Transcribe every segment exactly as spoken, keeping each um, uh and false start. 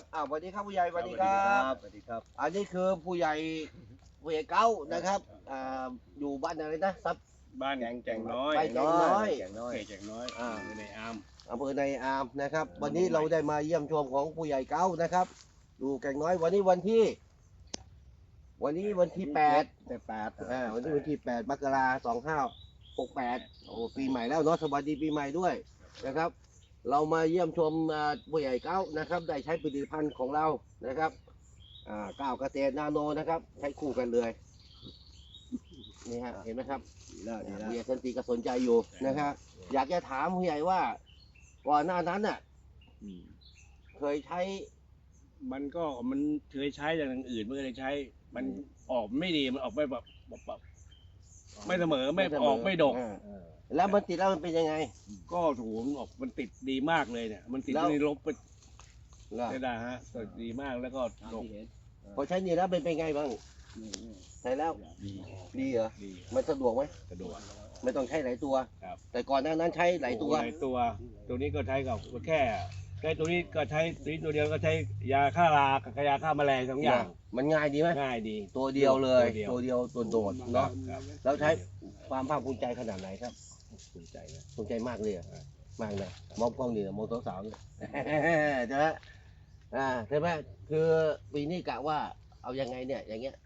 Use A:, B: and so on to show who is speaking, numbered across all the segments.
A: ครับอ้าวสวัสดีครับผู้ใหญ่สวัสดีครับ
B: สวัสดีครับ
A: อันนี้คือผู้ใหญ่ผู้ใหญ่เก้านะครับอ่าอยู่บ้านอะไรนะซับ
C: บ้านแก่งแก่งน้อย
A: ไปแก่งน้อย
B: แก่งน้อย
C: เขตแก่งน้อย
A: อ่า
C: อยู่ในอาร์ม
A: อำเภอในอามนะครับ วันนี้เราได้มาเยี่ยมชมของผู้ใหญ่เก้านะครับอยู่แก่งน้อยวันนี้วันที่ วันนี้วันที่แปด
B: แต่แปด
A: อ่าวันนี้วันที่แปดมกราสองห้าหกแปดโอ้ปีใหม่แล้วเนาะสวัสดีปีใหม่ด้วยนะครับ เรามาเยี่ยมชมอ่าผู้ใหญ่เก้านะครับ ได้ใช้ผลิตภัณฑ์ของเรานะครับอ่าก้าวเกษตรนาโนนะครับ ใช้คู่กันเลยนี่ฮะเห็นไหมครับ
B: ดีแล้วดีแล้ว
A: ผู้ใหญ่สันติก็สนใจอยู่นะครับอยากจะถามผู้ใหญ่ว่าก่อนหน้านั้นน่ะ
B: อืม
A: เคยใช้
C: มันก็มันเคยใช้อย่างอื่นไม่เคยใช้ มันออกไม่ดีมันออกไม่แบบแบบแบบไม่เสมอไม่ออกไม่ดก
A: อ่า
B: เออ
A: แล้วมันติดแล้วมันเป็นยังไง
C: ก็ถูกมันออกมันติดดีมากเลยเนี่ย มันติด
A: แล้ว
C: ในลบไป
A: ล่ะ
C: ได้ได้ฮะติดดีมากแล้วก็
B: ตาม
C: ดก
B: ที่เห็น
A: พอใช้นี่แล้วเป็นเป็นไงบ้าง
B: นี่นี่
A: ใช้แล้ว
C: ดี
A: ดีเหรอ
C: ดี
A: มันสะดวกไหม
C: สะดวก
A: ไม่ต้องใช้หลายตัว
C: ครับ
A: แต่ก่อนหน้านั้นใช้หลายตัว
C: หลายตัว ตัวนี้ก็ใช้กับแค่ใช้ตัวนี้ก็ใช้ตัวนี้ตัวเดียวก็ใช้ยาฆ่ารากับยาฆ่าแมลงสองอย่าง
A: มันง่ายดีไหม
C: ง่ายดี
A: ตัวเดียวเลย
C: ตัวเดียว
A: ตัวเดียวตัวโดด
C: ครั
A: เนาะ
C: บครับ
A: แล้วใช้ความภาคภูมิใจขนาดไหนครับ
C: ภูมิใจนะ
A: ภูมิใจมากเลยอะมากเลยมองกล้องนี่มองสาวๆเนี่ย ใช่ไหมอ่าใช่ไหมคือปีนี้กะว่าเอายังไงเนี่ยอย่างเงี้ย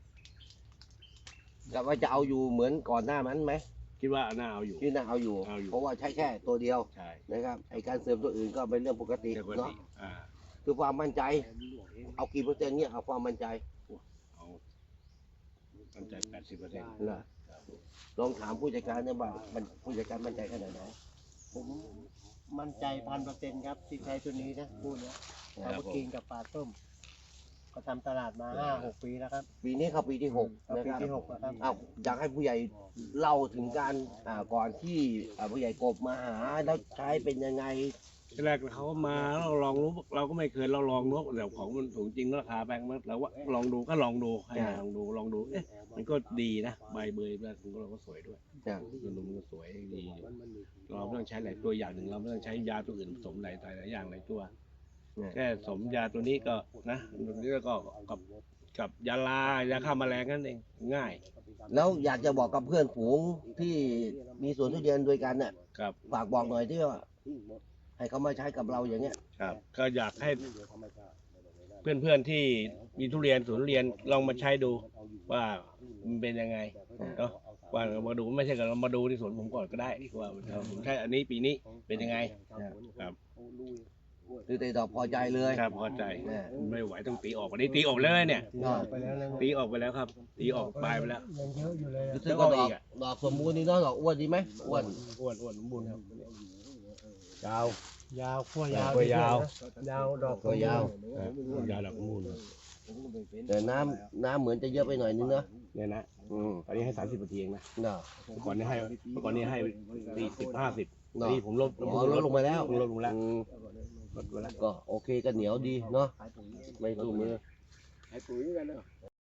A: กะว่าจะเอาอยู่เหมือนก่อนหน้านั้นไหม
C: คิดว่าน่าเอาอยู่
A: ที่น่าเอาอยู่
C: เอาอยู่
A: เพราะว่าใช้แค่ตัวเดียว
C: ใช่
A: นะครับไอการเสริมตัวอื่นก็เป็นเรื่องปกติ
C: เดี๋ยวปก
A: เนาะ
C: ติอ่า
A: คือความมั่นใจ เอากี่เปอร์เซ็นต์เนี่ยเอาความมั่นใจ
C: เอาตั้งใจแปดสิบเปอร์เซ็นต์
A: นะลองถามผู้จัดการเนี่ยว่ามันผู้จัดการมั่นใจขนาดไหน
D: ผมมั่นใจพันเปอร์เซ็นต์ครับที่ใช้ตัวนี้นะคู่เนี้ย
A: ครั
D: เอา
A: บ
D: ไปกินกับปลาส้ม ก็ทำตลาดมาห้าหกปีแล้วครับ
A: ปีนี้เข้าปีที่หก
D: เอา
A: นะ
D: ปี
A: ครับ
D: ที่หกแล้วครับ
A: อ้าวอยากให้ผู้ใหญ่เล่าถึงการอ่าก่อนที่อ่าผู้ใหญ่กบมาหาแล้วใช้เป็นยังไง
C: ทีแรกเขามาเราลองรู้เราก็ไม่เคยเราลองรู้แต่ของมันสูงจริงราคาแพงมากเราว่าลองดูก็ลองดูให้
A: อ่า
C: ลองดูลองดูเอ๊ะมันก็ดีนะใบเบยแล้วเราก็สวยด้วย
A: จ้ะ
C: มันมันก็สวยดีเราไม่ต้องใช้หลายตัวอย่างหนึ่งเราไม่ต้องใช้ยาตัวอื่นผสมหลายหลายอย่างหลายตัว
A: เนี่ย
C: แค่สมยาตัวนี้ก็นะตัวนี้ก็กับกับยาลายาฆ่าแมลงนั่นเองง่าย
A: แล้วอยากจะบอกกับเพื่อนฝูงที่มีสวนทุเรียนด้วยกันเนี่ย
C: ครับ
A: ฝากบอกหน่อยที่ว่าให้เขามาใช้กับเราอย่างเงี้ย
C: ครับก็อยากให้เพื่อนๆที่มีทุเรียนสวนทุเรียนลองมาใช้ดูว่ามันเป็นยังไงเนาะว่าเรามาดูไม่ใช่กับเรามาดูที่สวนผมก่อนก็ได้ว่าผมใช้อันนี้ปีนี้เป็นยังไงครับ
A: คือติดต่อพอใจเลย
C: ครับพอใจ
A: เนี่ย
C: ไม่ไหวต้องตีออกวันนี้ตีออกแล้วเนี่ย
A: ก็
D: ไปแล้วนะ
C: ตีออกไปแล้วครับ ตีออกปลายไปแล้ว
D: ยังเยอะอยู่เลย
A: รู้สึกว่าดอกดอกสมบูรณ์ดีเนาะดอกอ้วนดีไหมอ้วน
C: อ้วนอ้วนสมบูรณ์ครับ
A: ยาว
D: ยาวขั้วยาว
C: ขั้วยาว
D: ยาวดอก
A: ขั้วยาว
C: ยาดอกสมบูรณ์
A: แต่น้ำน้ำเหมือนจะเยอะไปหน่อยนึงเนาะ
C: เนี่ยนะ
A: อืม
C: ตอนนี้ให้สามสิบนาทีเองนะ
A: เนาะ
C: เมื่อก่อนนี้ให้เมื่อก่อนนี้ให้สี่สิบห้าสิบ
A: เนาะ
C: นี่ผมลด
A: อ๋อลดลงไปแล้ว
C: ลดลงแล้ว
A: อืม
C: ลดลงแล้ว
A: ก็โอเคก็เหนียวดีเนาะไม่สู้มือ
C: ให้ปุ๋ยกันเนาะ